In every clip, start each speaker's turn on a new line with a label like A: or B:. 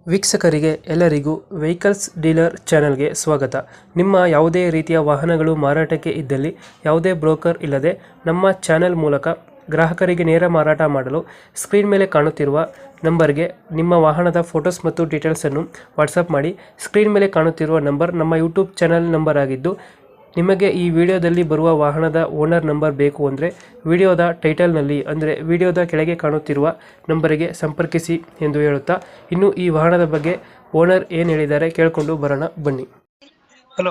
A: ವೀಕ್ಷಕರಿಗೆ ಎಲ್ಲರಿಗೂ vehicles dealer ಚಾನೆಲ್ಗೆ ಸ್ವಾಗತ. ನಿಮ್ಮ ಯಾವುದೇ ರೀತಿಯ ವಾಹನಗಳು ಮಾರಾಟಕ್ಕೆ ಇದ್ದಲ್ಲಿ ಯಾವುದೇ ಬ್ರೋಕರ್ ಇಲ್ಲದೆ ನಮ್ಮ ಚಾನೆಲ್ ಮೂಲಕ ಗ್ರಾಹಕರಿಗೆ ನೇರ ಮಾರಾಟ ಮಾಡಲು ಸ್ಕ್ರೀನ್ ಮೇಲೆ ಕಾಣುತ್ತಿರುವ ನಂಬರ್ಗೆ ನಿಮ್ಮ ವಾಹನದ ಫೋಟೋಸ್ ಮತ್ತು ಡೀಟೇಲ್ಸನ್ನು ವಾಟ್ಸಪ್ ಮಾಡಿ. ಸ್ಕ್ರೀನ್ ಮೇಲೆ ಕಾಣುತ್ತಿರುವ ನಂಬರ್ ನಮ್ಮ ಯೂಟ್ಯೂಬ್ ಚಾನೆಲ್ ನಂಬರ್ ಆಗಿದ್ದು, ನಿಮಗೆ ಈ ವಿಡಿಯೋದಲ್ಲಿ ಬರುವ ವಾಹನದ ಓನರ್ ನಂಬರ್ ಬೇಕು ಅಂದರೆ ವಿಡಿಯೋದ ಟೈಟಲ್ನಲ್ಲಿ ಅಂದರೆ ವಿಡಿಯೋದ ಕೆಳಗೆ ಕಾಣುತ್ತಿರುವ ನಂಬರಿಗೆ ಸಂಪರ್ಕಿಸಿ ಎಂದು ಹೇಳುತ್ತಾ, ಇನ್ನು ಈ ವಾಹನದ ಬಗ್ಗೆ ಓನರ್ ಏನು ಹೇಳಿದ್ದಾರೆ ಕೇಳಿಕೊಂಡು ಬರೋಣ ಬನ್ನಿ. Hello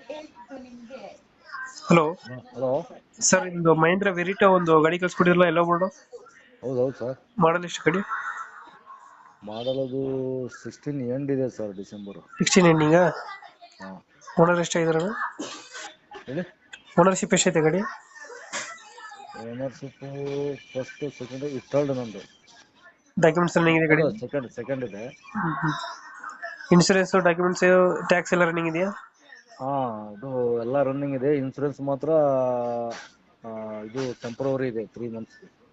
A: hello
B: hello.
A: ಸರ್, ನಿಮ್ಮದು ಮಹೇಂದ್ರ ವೆರಿಟಾ ಒಂದು ಗಾಡಿ ಕಳಿಸ್ಕೊಡಿರಲ್ಲ, ಎಲ್ಲ ಬೋರ್ಡು
B: ಹೌದೌದು ಸರ್.
A: ಮಾಡಲ್ ಎಷ್ಟು ಗಾಡಿ?
B: ಮಾಡಲ್ ಅದು 16 ಎಂಡ್ ಇದೆ ಸರ್, ಡಿಸೆಂಬರ್.
A: 16 ಎಂಡಿಂಗಾ?
B: ಹಾಂ
A: ಓನರ್ ಎಷ್ಟಾಗಿದಾರಣ?
B: ಹೇಳಿ.
A: ಓನರ್ಶಿಪ್ ಎಷ್ಟೈತೆ ಗಾಡಿ?
B: ಓನರ್ಶಿಪ್ ಫಸ್ಟ್ ಸೆಕೆಂಡ್ ಥರ್ಡ್ ನಂದು.
A: ಡಾಕ್ಯುಮೆಂಟ್ಸ್ ರನ್ನಿಂಗ್ ಇದೆ ಗಾಡಿ?
B: ಸೆಕೆಂಡ್ ಇದೆ.
A: ಇನ್ಶೂರೆನ್ಸ್, ಡಾಕ್ಯುಮೆಂಟ್ಸ್, ಟ್ಯಾಕ್ಸ್ ಎಲ್ಲ ರನ್ನಿಂಗ್ ಇದೆಯಾ?
B: ಹಾಂ, ಅದು ಎಲ್ಲ ರನ್ನಿಂಗ್ ಇದೆ. ಇನ್ಸೂರೆನ್ಸ್ ಮಾತ್ರ ಇದು ಟೆಂಪ್ರವರಿ ಇದೆ, 3 months.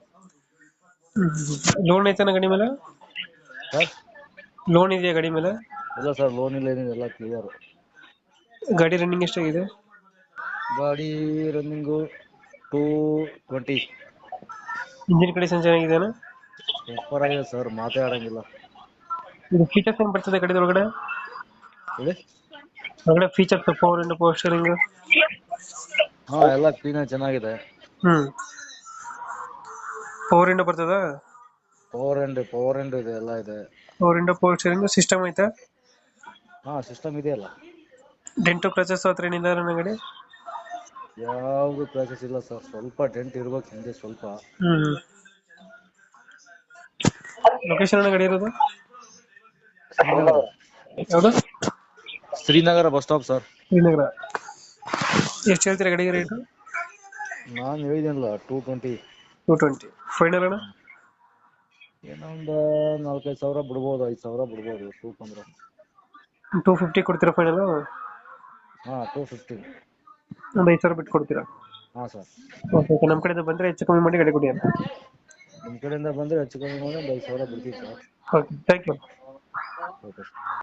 A: ಲೋನ್ ಐತನ ಗಾಡಿ ಮೇಲೆ?
B: ಸರ್
A: ಲೋನ್ ಇದೆಯಾ ಗಾಡಿ ಮೇಲೆ?
B: ಇಲ್ಲ ಸರ್, ಲೋನ್ ಇಲ್ಲ, ಏನಿದೆ, ಎಲ್ಲ ಕ್ಲಿಯರ್.
A: ಗಾಡಿ ರನ್ನಿಂಗ್ ಎಷ್ಟಾಗಿದೆ?
B: ಗಾಡಿ ರನ್ನಿಂಗು 220.
A: ಇಂಜಿನ್ ಕಂಡೀಷನ್ ಚೆನ್ನಾಗಿದೆಯಾ?
B: ಸೂಪರ್ ಆಗಿದೆ ಸರ್, ಮಾತೇ ಆಡಂಗಿಲ್ಲ.
A: ಇದು ಫೀಚರ್ಸ್ ಏನು ಬರ್ತದೆ ಗಾಡಿ ಒಳಗಡೆ?
B: ಹೇಳಿ.
A: ಒಳಗಡೆ ಫೀಚರ್ಸ್, ಪವರ್ ಇಂಡ್, ಪವರ್ ಸ್ಟೀರಿಂಗ್?
B: ಹಾಂ, ಎಲ್ಲ ಕ್ಲೀನಾಗಿ ಚೆನ್ನಾಗಿದೆ.
A: ಪವರ್ ಇಂಡ್ ಬರ್ತದ?
B: ಪವರ್ ಎಂಡ್ ಇದೆ, ಎಲ್ಲ ಇದೆ.
A: ಪವರ್ ಇಂಡ್, ಪವರ್ ಸ್ಟೀರಿಂಗ್ ಸಿಸ್ಟಮ್ ಐತಾ?
B: ಹಾಂ, ಸಿಸ್ಟಮ್ ಇದೆಯಲ್ಲ.
A: ಡೆಂಟು ಕ್ರಚಸ್ ಹತ್ರ ಏನಿಲ್ಲ ನನ್ನ ಗಾಡಿ?
B: ಯಾವುದು ಕ್ರಾಚಸ್ ಇಲ್ಲ ಸರ್, ಸ್ವಲ್ಪ ಡೆಂಟ್ ಇರ್ಬೇಕು ಹಿಂದೆ ಸ್ವಲ್ಪ.
A: ಲೊಕೇಶನ್ ಅಣ್ಣ ಗಾಡಿ ಇರೋದು?
B: ಶ್ರೀನಗರ.
A: ಯಾವುದು?
B: Srinagar bus stop sir.
A: Srinagar. ಎಷ್ಟು ಹೇಳ್ತೀರಾ ಗಾಡಿಗೆ ರೇಟು?
B: ನಾನು ಹೇಳಿದ್ದೀನಲ್ಲ, 220.
A: 220 ಫೈನಲ್ ಅಣ್ಣ?
B: ಏನೋ ಒಂದು 4-5 ಸಾವಿರ ಬಿಡ್ಬೋದು, 5 ಸಾವಿರ ಬಿಡ್ಬೋದು ಅಂದ್ರೆ.
A: 250 ಕೊಡ್ತೀರಾ ಫೈನಲ್?
B: ಹಾಂ, 250.
A: ಒಂದು 5 ಸಾವಿರ ಬಿಟ್ಟು ಕೊಡ್ತೀರಾ?
B: ಹಾಂ ಸರ್.
A: ಓಕೆ, ನಮ್ಮ ಕಡೆಯಿಂದ ಬಂದರೆ ಹೆಚ್ಚು ಕಮ್ಮಿ ಮಾಡಿ ಗಾಡಿ ಕೊಡಿ ಅಂತ.
B: ನಿಮ್ಮ ಕಡೆಯಿಂದ ಬಂದರೆ ಹೆಚ್ಚು ಕಮ್ಮಿ ಮಾಡಿ ಒಂದು 5 ಸಾವಿರ ಬಿಡ್ತೀವಿ sir.
A: Okay, thank you.
B: Okay.